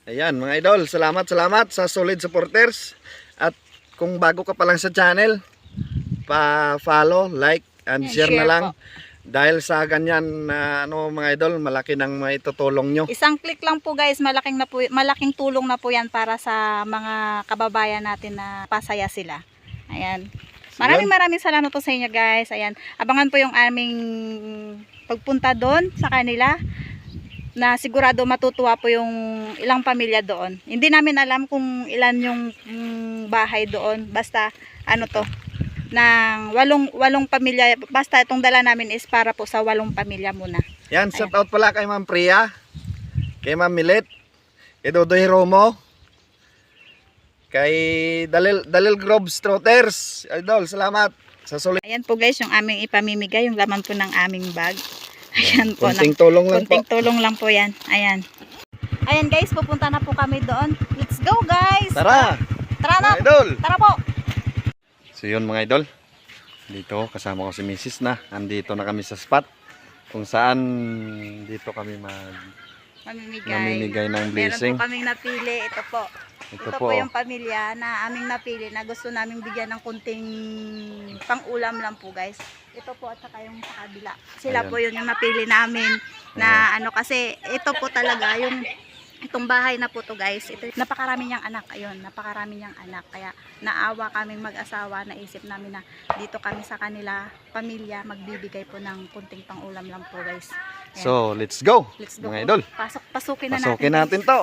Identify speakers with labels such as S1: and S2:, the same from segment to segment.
S1: Ayan mga idol, salamat sa solid supporters. At kung bago ka pa lang sa channel, pa-follow, like, and share na lang.
S2: Po.
S1: Dahil sa ganyan na mga idol, malaki nang maitutulong nyo.
S2: Isang click lang po guys, malaking tulong na po yan para sa mga kababayan natin na pasaya sila. Ayan. Maraming salamat po sa inyo guys. Ayan. Abangan po yung aming pagpunta doon sa kanila. Na sigurado matutuwa po yung ilang pamilya doon. Hindi namin alam kung ilan yung bahay doon. Basta ano to, ng walong pamilya. Basta itong dala namin is para po sa 8 pamilya muna.
S1: Yan, shout out pala kay Ma'am Priya, kay Ma'am Milet, kay Dodoy Romo, kay Dalil Groves Trotters. Idol, salamat sa solid.
S2: Ayan po guys, yung aming ipamimigay, yung laman po ng aming bag. Ayan po.
S1: Kunting tulong lang po.
S2: Kunting tulong lang po yan. Ayan. Ayan guys, pupunta na po kami doon. Let's go guys!
S1: Tara!
S2: Tara na!
S1: Mga idol!
S2: Tara po!
S1: So yun mga idol, dito kasama ko si Mrs. na. Andito na kami sa spot kung saan dito kami mamimigay ng blessing.
S2: Meron po kaming napili. Ito po. Ito po yung pamilya na aming napili na gusto naming bigyan ng kunting pang-ulam lang po guys. Ito po at saka yung sa kabila. Sila
S1: Ayan.
S2: po yun yung napili namin na ano kasi ito po talaga yung itong bahay na po to guys. Ito, napakarami niyang anak. Ayun, napakarami niyang anak. Kaya naawa kaming mag-asawa. Naisip namin na dito kami sa kanila pamilya magbibigay po ng kunting pang-ulam lang po guys. Ayan.
S1: So let's go,
S2: Let's go
S1: mga
S2: po.
S1: idol.
S2: Pasukin na
S1: Pasukin
S2: natin.
S1: natin to.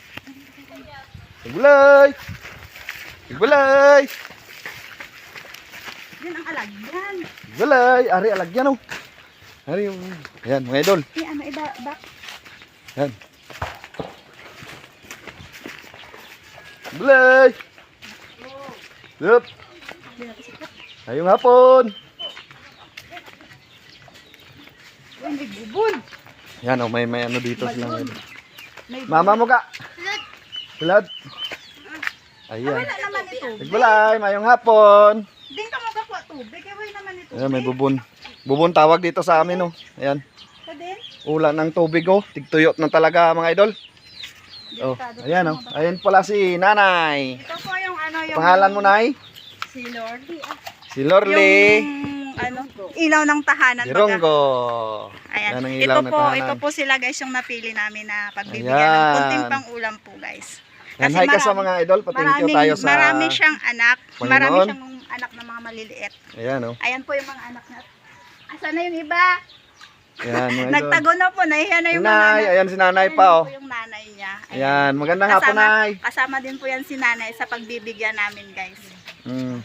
S1: Igbulay! Igbulay!
S2: Yan ang alagyan.
S1: Igbulay! Ari alagyan oh. Ari yung... Ayan mga idol.
S2: Ano iba back?
S1: Ayan. Igbulay! Yup! Ayong hapon!
S2: May bubon.
S1: Yan oh, may ano dito sila.
S2: May
S1: Mama mo ka! Bulad! Ayan.
S2: wala naman ito.
S1: Igbulay! Mayong hapon!
S2: Din ka magkakuha tubig. Kaya wala naman ito.
S1: Ayan, may bubon. Bubon tawag dito sa amin oh. Ayan.
S2: Ka din?
S1: Ulan ng tubig oh. Tigtuyot na talaga mga idol. Oh, ayan oh. Ayan pala si Nanay.
S2: Ito po yung ano yung...
S1: Pangalan mo, Nay?
S2: Si Lordy.
S1: Si Lorly.
S2: Yung ano, ilaw ng tahanan.
S1: Dironggo.
S2: Ayan.
S1: Yan ang ilaw na tahanan.
S2: Ito po sila guys yung napili namin na pagbibigyan
S1: Ayan.
S2: ng kunting pang ulam po guys.
S1: Yan, hi ka sa mga idol. Pa-thank you tayo sa...
S2: Marami siyang anak.
S1: Panginoon.
S2: Marami siyang anak na mga maliliit.
S1: Ayan oh.
S2: Ayan po yung mga anak na. Asan na yung iba?
S1: Ayan mga idol.
S2: Nagtago na po. Nahiya na yung mga
S1: Nay,
S2: anak.
S1: ayan si Nanay
S2: Ayan
S1: pa oh.
S2: po yung nanay niya.
S1: Ayan, magandang hapon Nay.
S2: Kasama din po yan si nanay sa pagbibigyan namin guys.
S1: Mm.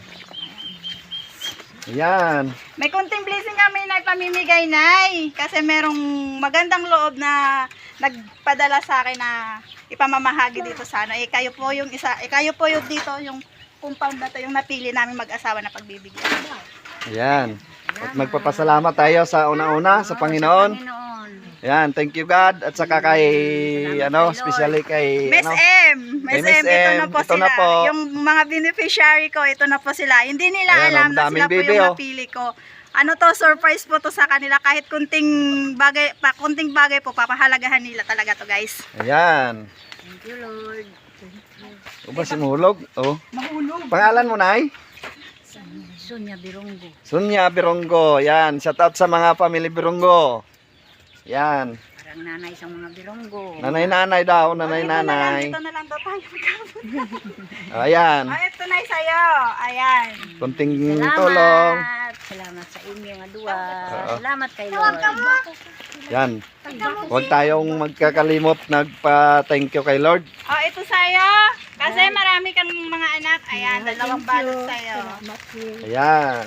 S1: Ayan.
S2: May kunting blessing kami na ipamimigay nay. Kasi merong magandang loob na nagpadala sa akin na ipamamahagi dito sa ano. Kayo po yung isa, kayo po yung dito yung compound na to yung napili namin mag-asawa na pagbibigyan.
S1: Ayan. At magpapasalamat tayo sa una-una sa Panginoon. Ayan, thank you God. At saka kay, especially kay,
S2: Miss M,
S1: Kay
S2: Miss
S1: Miss
S2: M, ito
S1: M,
S2: na po
S1: ito
S2: sila.
S1: na po.
S2: Yung mga beneficiary ko, ito na po sila. Hindi nila
S1: Ayan,
S2: alam
S1: ang
S2: na
S1: daming
S2: sila po
S1: bibi,
S2: yung
S1: oh.
S2: napili ko. Ano to, surprise po to sa kanila. Kahit kunting bagay po, papahalagahan nila talaga to guys.
S1: ayan.
S2: Thank you Lord.
S1: O ba si Mahulog? Oh.
S2: Mahulog.
S1: Pangalan mo, Nay?
S2: Sonia Birongo.
S1: Sunya Birongo. Yan. Shout out sa mga family Birongo. Yan.
S2: Parang nanay sa mga Birongo.
S1: Nanay-nanay daw. Nanay-nanay.
S2: Ito na lang daw tayo.
S1: Ayan.
S2: Ito na sa'yo. Ayan.
S1: Kunting tulong.
S2: Salamat sa inyo nga duwa.
S1: Oo.
S2: Salamat kay Lord.
S1: Yan. Huwag tayong magkakalimot. Nagpa-thank you kay Lord.
S2: Ito sa'yo. Kasi marami kang mga anak. Ayan, dalawang balot sa'yo.
S1: Ayan.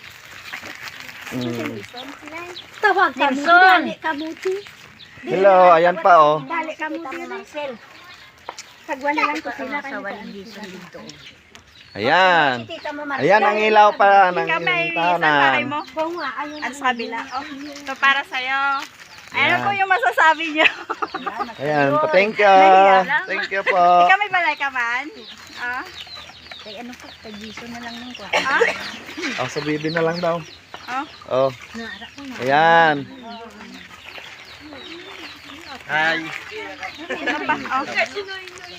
S1: Mm.
S2: Tawag kamuti.
S1: Hello. Ayan pa oh.
S2: Dali kamuti. Marcel. Pagwala lang ko sila dito.
S1: Ayan. Ayan ang ilaw pa ng tahanan.
S2: mo. At sa kabila. Ito para sa'yo. Ayan po yung masasabi niyo.
S1: Ayan. Pa-thank you. Thank you po.
S2: Ikaw may balay ka man? Kay ano po, kay Giso na lang nung kwa.
S1: Sa bibi na lang daw.
S2: Oh.
S1: Oh. Ayan. Hi.
S2: Ano pa?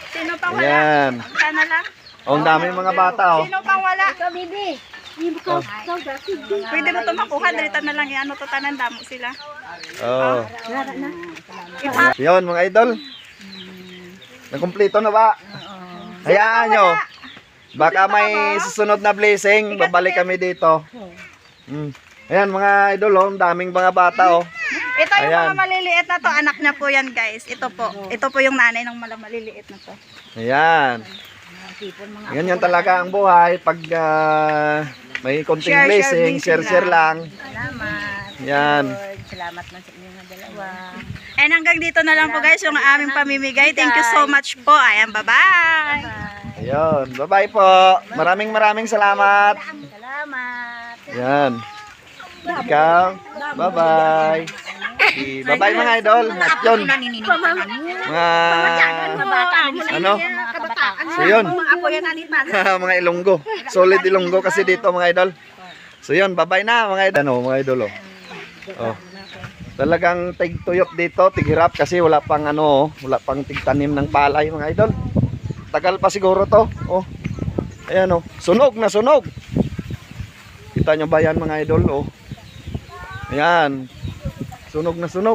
S2: Sino pang wala?
S1: Ayan.
S2: Sana lang.
S1: Oh, ang daming mga bata, oh.
S2: Sino pang wala?
S3: Ikaw, bibi.
S2: Pwede mo ito makuha. Dalitan na lang yan. Ano to tanan damo sila.
S1: Oh.
S3: Wala na.
S1: Yun, mga idol. Nakumpleto na ba? Hayaan nyo. Baka may susunod na blessing. Babalik kami dito. Ayan, mga idol, oh. Ang daming mga bata, oh.
S2: Ito yung
S1: Ayan.
S2: mga maliliit na to. Anak niya po yan, guys. Ito po. Ito po yung nanay ng maliliit na to.
S1: Ayan. Ganyan talaga ang buhay. Pag may konting
S2: Share,
S1: blessing,
S2: blessing
S1: share lang.
S3: Salamat.
S1: Yan.
S3: Lord, salamat man sa inyong dalawa.
S2: And hanggang dito na lang po, guys, yung aming pamimigay. Thank you so much po. Ayan, bye-bye.
S1: Ayun. Bye-bye po. Maraming salamat.
S3: Salamat.
S1: Yan. Ikaw. Bye-bye. Bye-bye mga idol. At yun. Mga ano? So yun. Mga Ilonggo. Solid Ilonggo kasi dito mga idol. So yun. Bye-bye na mga idol. Ano mga idol, oh. Oh. Talagang tigtuyot dito, tighirap kasi wala pang ano, wala pang tigtanim ng palay mga idol. Tagal pa siguro to. Oh. Ayan, oh. Sunog na sunog. Kita nyo ba yan mga idol, oh. Ayan. Sunog na sunog.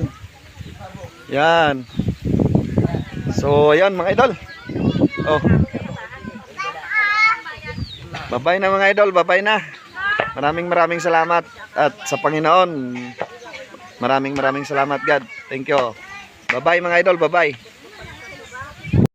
S1: Yan. So, ayan mga idol. Oh. Bye-bye na mga idol, bye-bye na. Maraming salamat at sa Panginoon. Maraming salamat God. Thank you. Bye-bye mga idol, bye-bye.